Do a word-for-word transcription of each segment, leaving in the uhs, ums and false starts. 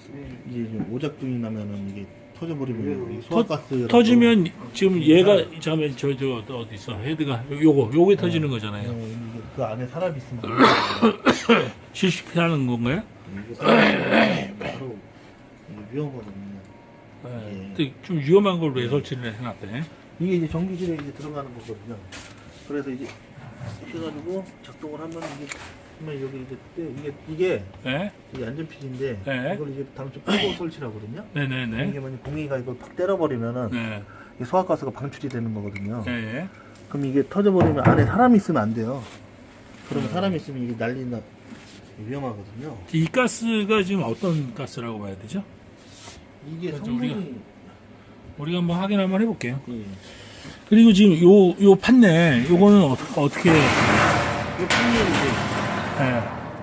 이게 좀 오작동이 나면은 이게 터져버리면 소화가스 터지면 지금 얘가 잠깐만 저저 어디 있어 헤드가 요거 요게 터지는 거잖아요. 네, 이게 그 안에 사람이 있으면 안 돼요. 실시피하는 건가요? 이게 사람이 바로 이게 위험하거든요. 네. 근데 좀 위험한 걸 왜 설치를 해놨대? 이게 이제 전기실에 이제 들어가는 거거든요. 그래서 이제 해가지고 작동을 하면 이게 그러면 여기 이제 떼- 이게 이게 네? 이게 안전핀인데 네. 이걸 이제 당초 빼고 설치하거든요. 네네네. 이게 만약 공기가 이걸 팍 때려버리면은 네. 이게 소화가스가 방출이 되는 거거든요. 네. 그럼 이게 터져버리면 안에 사람이 있으면 안 돼요. 그러면 사람이 있으면 이게 난리나 위험하거든요. 이 가스가 지금 어떤 가스라고 봐야 되죠? 이게 그렇죠, 성분이 우리가 한번 확인 한번 해볼게요. 예. 그리고 지금 요, 요 판넬, 요거는 어떻게, 어떻게, 이 판넬이 예.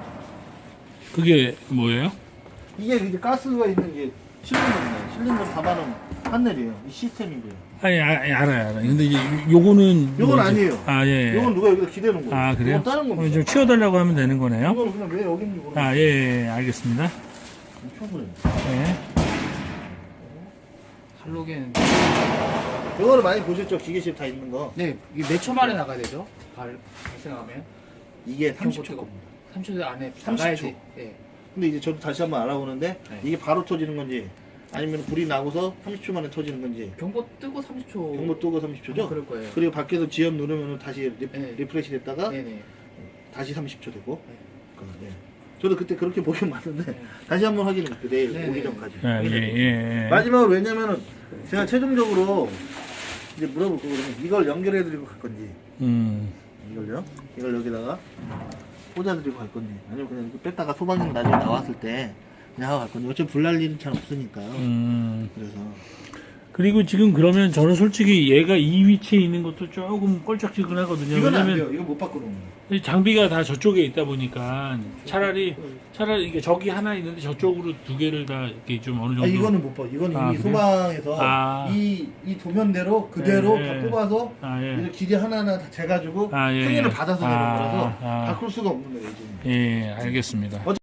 그게 뭐예요? 이게 이제 가스가 있는 게 실린더입니다. 실린더 잡아놓은 판넬이에요. 이 시스템이고요. 아니, 아, 알아요, 알아요. 근데 이제 요거는. 요건 뭐지? 아니에요. 아, 예. 예. 이건 누가 여기다 기대는 거예요. 아, 그래요? 이건 다른 그럼 겁니다. 좀 치워달라고 하면 되는 거네요? 이거는 그냥 왜 여기 있는지 모르겠어요. 아, 예, 예, 알겠습니다. 쳐버려요. 예. 할로겐. 이거를 많이 보셨죠? 기계실 다 있는 거. 네, 이게 몇 초 만에 나가야 되죠? 발, 발생하면? 이게 삼십 초 경고 겁니다. 삼 초 안에 삼십 초. 나가야지. 예. 근데 이제 저도 다시 한번 알아보는데 네. 이게 바로 터지는 건지 아니면 불이 나고서 삼십 초 만에 터지는 건지 경보 뜨고 삼십 초. 경보 뜨고 삼십 초죠? 아, 그럴 거예요. 그리고 밖에서 지연 누르면 다시 리, 네. 리프레시 됐다가 네네. 다시 삼십 초 되고 네. 그, 네. 저도 그때 그렇게 보긴 봤는데 네. 다시 한번 확인해 볼게요. 내일 네, 오기 네. 전까지. 예, 예, 예. 마지막으로 왜냐면은 제가 최종적으로 이제 물어볼 거거든요. 이걸 연결해 드리고 갈 건지 음. 이걸요? 이걸 여기다가 꽂아 드리고 갈 건지 아니면 그냥 이렇게 뺐다가 소방용 나중에 나왔을 때 그냥 하고 갈 건지 어차피 불날 일은 잘 없으니까요. 음. 그래서 그리고 지금 그러면 저는 솔직히 얘가 이 위치에 있는 것도 조금 껄쩍지근하거든요. 이건 안 왜냐면 돼요. 이거 못 바꾸는 거예요. 이 장비가 다 저쪽에 있다 보니까 차라리 차라리 이게 저기 하나 있는데 저쪽으로 두 개를 다 이렇게 좀 어느 정도 아, 이거는 못 봐. 이건 아, 이미 그래요? 소방에서 아. 이, 이 도면대로 그대로 예, 다 예. 뽑아서 아, 예. 이제 기계 하나하나 다 재가지고 아, 예, 승인을 예. 받아서 내는 아, 거라서 아. 바꿀 수가 없는 거예요, 지금. 예, 알겠습니다.